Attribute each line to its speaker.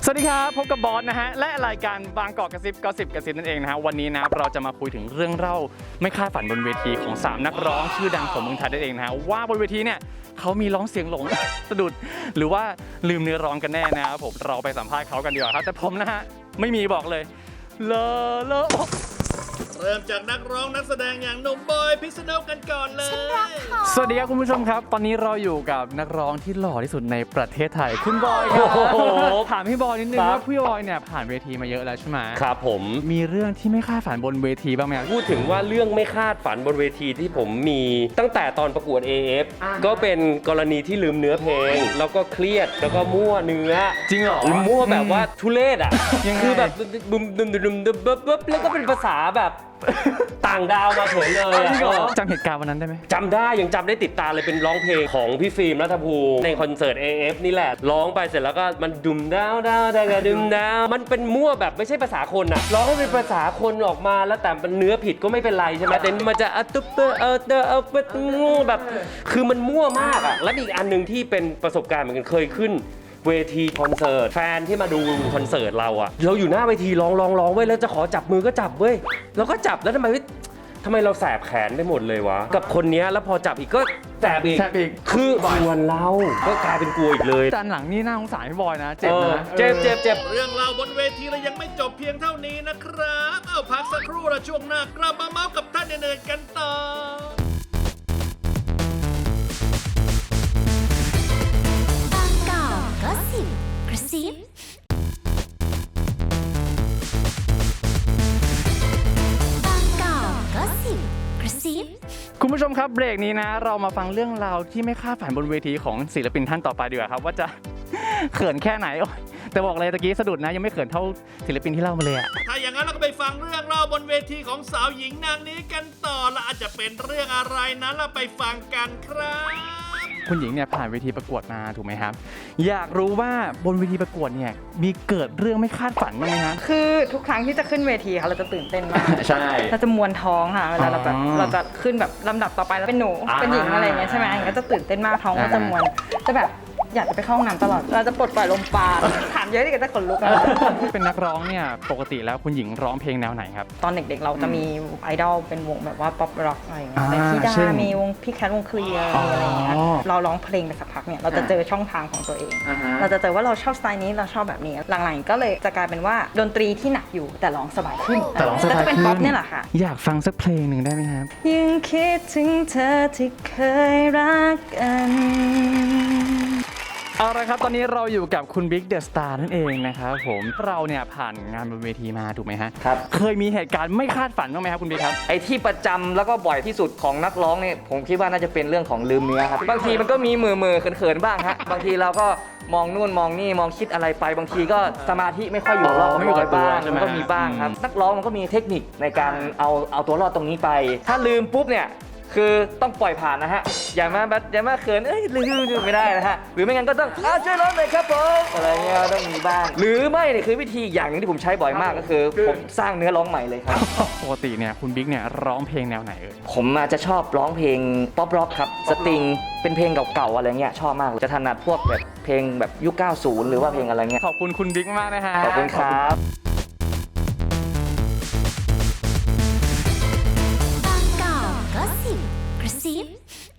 Speaker 1: สวัสดีครับพบกับบอสนะฮะและรายการบางกอกกระซิบก็สิบกระซิบนั่นเองนะฮะวันนี้นะเราจะมาคุยถึงเรื่องเล่าไม่คาดฝันบนเวทีของ3นักร้องชื่อดังของเมืองไทยนั่นเองนะฮะว่าบนเวทีเนี่ยเขามีร้องเสียงหลง สะดุดหรือว่าลืมเนื้อร้องกันแน่นะครับผมเราไปสัมภาษณ์เขากันดีกว่าครับแต่ผมนะฮะไม่มีบอกเลยเลอะ
Speaker 2: เริ่มจากนักร้องนักแสดงอย่างหนุ่มบอยพิษณุกันก่อนเลย
Speaker 1: สวัสดีครับคุณผู้ชมครับตอนนี้เราอยู่กับนักร้องที่หล่อที่สุดในประเทศไทยคุณบอยครับถามพี่บอยนิดนึงว่าพี่บอยเนี่ยผ่านเวทีมาเยอะแล้วใช่ไหม
Speaker 3: ครับผม
Speaker 1: มีเรื่องที่ไม่คาดฝันบนเวทีบ้างไหม
Speaker 3: พูดถึงว่าเรื่องไม่คาดฝันบนเวทีที่ผมมีตั้งแต่ตอนประกวด AF ก็เป็นกรณีที่ลืมเนื้อเพลงแล้วก็เครียดแล้วก็มั่วเนื้อ
Speaker 1: จริงเหรอ
Speaker 3: มั่วแบบว่าทุเรศอ่ะคือแบบบึมดึมดึมดึมบึ๊บแล้วก็เป็นภาษาแบบต่างดาวมาเฉยเลย
Speaker 1: จำเหตุการณ์วันนั้นได้ไหม
Speaker 3: จำได้ยังจำได้ติดตาเลยเป็นร้องเพลงของพี่ฟิล์มรัฐภูมิในคอนเสิร์ต AF นี่แหละร้องไปเสร็จแล้วก็มันดุมดาวดาวดาวดุมดาวมันเป็นมั่วแบบไม่ใช่ภาษาคนอ่ะร้องให้เป็นภาษาคนออกมาแล้วแต่เป็นเนื้อผิดก็ไม่เป็นไรใช่ไหมแต่มันจะตุ๊บแบบคือมันมั่วมากอ่ะและอีกอันนึงที่เป็นประสบการณ์เหมือนกันเคยขึ้นเวทีคอนเสิร์ตแฟนที่มาดูคอนเสิร์ตเราอะเราอยู่หน้าเวทีร้องเว้ยแล้วจะขอจับมือก็จับเว้ยแล้วก็จับแล้วทำไมเราแสบแขนไปหมดเลยวะกับคนนี้แล้วพอจับอีกก็แสบอีกคือวนเราก็กลายเป็นกลัวอีกเลย
Speaker 1: จานหลังนี่น่าสงสารพี่บอยนะเจ็บนะ
Speaker 3: เจ็บ
Speaker 2: เรื่องราวบนเวทีเรายังไม่จบเพียงเท่านี้นะครับเอาพักสักครู่แล้วช่วงหน้ากลับมาเมาส์กับท่านอื่นๆกันต่อบางกอกก็สิบกระซิบ
Speaker 1: คุณผู้ชมครับเบรกนี้นะเรามาฟังเรื่องราวที่ไม่คาดฝันบนเวทีของศิลปินท่านต่อไปดีกว่าครับว่าจะ เขินแค่ไหนแต่บอกเลยตะกี้สะดุดนะยังไม่เขินเท่าศิลปินที่เล่ามาเลยอะ
Speaker 2: ถ้าอย่างนั้นเราก็ไปฟังเรื่องราวบนเวทีของสาวหญิงนางนี้กันต่อและอาจจะเป็นเรื่องอะไรนั้นเราไปฟังกันครับ
Speaker 1: คุณหญิงเนี่ยผ่านเวทีประกวดมาถูกไหมครับอยากรู้ว่าบนเวทีประกวดเนี่ยมีเกิดเรื่องไม่คาดฝันบ้างไหมครับ
Speaker 4: คือทุกครั้งที่จะขึ้นเวทีค่ะเราจะตื่นเต้นมาก
Speaker 1: ใช่
Speaker 4: เราจะมวนท้องค่ะเวลาเราจะขึ้นแบบลำดับต่อไปแล้วเป็นหนูเป็นหญิงอะไรอย่างเงี้ยใช่ไหมก็จะตื่นเต้นมากท้องก็จะมวนจะแบบอยากจะไปเข้าห้องน้ำตลอดเราจะปลดปล่อยลมปราณถามเยอะที่ก็จะขนลุก
Speaker 1: เป็นนักร้องเนี่ยปกติแล้วคุณหญิงร้องเพลงแนวไหนครับ
Speaker 4: ตอนเด็กๆเราจะมีไอดอลเป็นวงแบบว่าป๊อปร็อกอะไรอย่างเงี้ยแต่พี่ดามีวงพี่แคทวงเคลียร์อะไรอย่างเงี้ยเราร้องเพลงไปสักพักเนี่ยเราจะเจอช่องทางของตัวเองเราจะเจอว่าเราชอบสไตล์นี้เราชอบแบบนี้หลังๆก็เลยจะกลายเป็นว่าดนตรีที่หนักอยู่แต่ร้องสบายขึ้น
Speaker 1: แต่ร้องสบายขึ้น
Speaker 4: จะเป็นป๊อปเนี่ยแหละค่ะ
Speaker 1: อยากฟังสักเพลงหนึ่งได้ไหมครับ
Speaker 4: ยังคิดถึงเธอที่เคยรักกัน
Speaker 1: เอาละครับตอนนี้เราอยู่กับคุณบิ๊กเดอะสตาร์นั่นเองนะครับผมเราเนี่ยผ่านงานบนเวทีมาถูกไหมฮะ
Speaker 5: ครับ
Speaker 1: เคยมีเหตุการณ์ไม่คาดฝันบ้างไหมครับคุณบิ๊กครับ
Speaker 5: ไอ้ที่ประจำแล้วก็บ่อยที่สุดของนักร้องเนี่ยผมคิดว่าน่าจะเป็นเรื่องของลืมเนื้อครับบางทีมันก็มีมือเขินๆบ้างฮะบางทีเราก็มองนู่นมองนี่มองคิดอะไรไปบางทีก็สมาธิไม่ค่อยอยู่รอด
Speaker 1: ไม่อยู่กับตัว
Speaker 5: มันก็มีบ้างครับนักร้องมันก็มีเทคนิคในการเอาตัวรอดตรงนี้ไปถ้าลืมปุ๊บเนี่ยคือต้องปล่อยผ่านนะฮะอย่ามาเขินลืมไม่ได้นะฮะหรือไม่งั้นก็ต้องช่วยร้องหน่อยครับผมอะไรเงี้ยต้องมีบ้างหรือไม่เนี่ยคือวิธีอย่างนึงที่ผมใช้บ่อยมากก็คือผมสร้างเนื้อร้องใหม่เลยครับ
Speaker 1: ปกติเนี่ยคุณบิ๊กเนี่ยร้องเพลงแนวไหนเอ่ย
Speaker 5: ผมจะชอบร้องเพลงป๊อปร็อกครับสตริงเป็นเพลงเก่าๆอะไรเงี้ยชอบมากจะถนัดพวกแบบเพลงแบบยุค 90 หรือว่าเพลงอะไรเงี้ย
Speaker 1: ขอบคุณคุณบิ๊กมากนะฮะ
Speaker 5: ขอบคุณครับ
Speaker 6: บางกอกก็สิบกระซิบ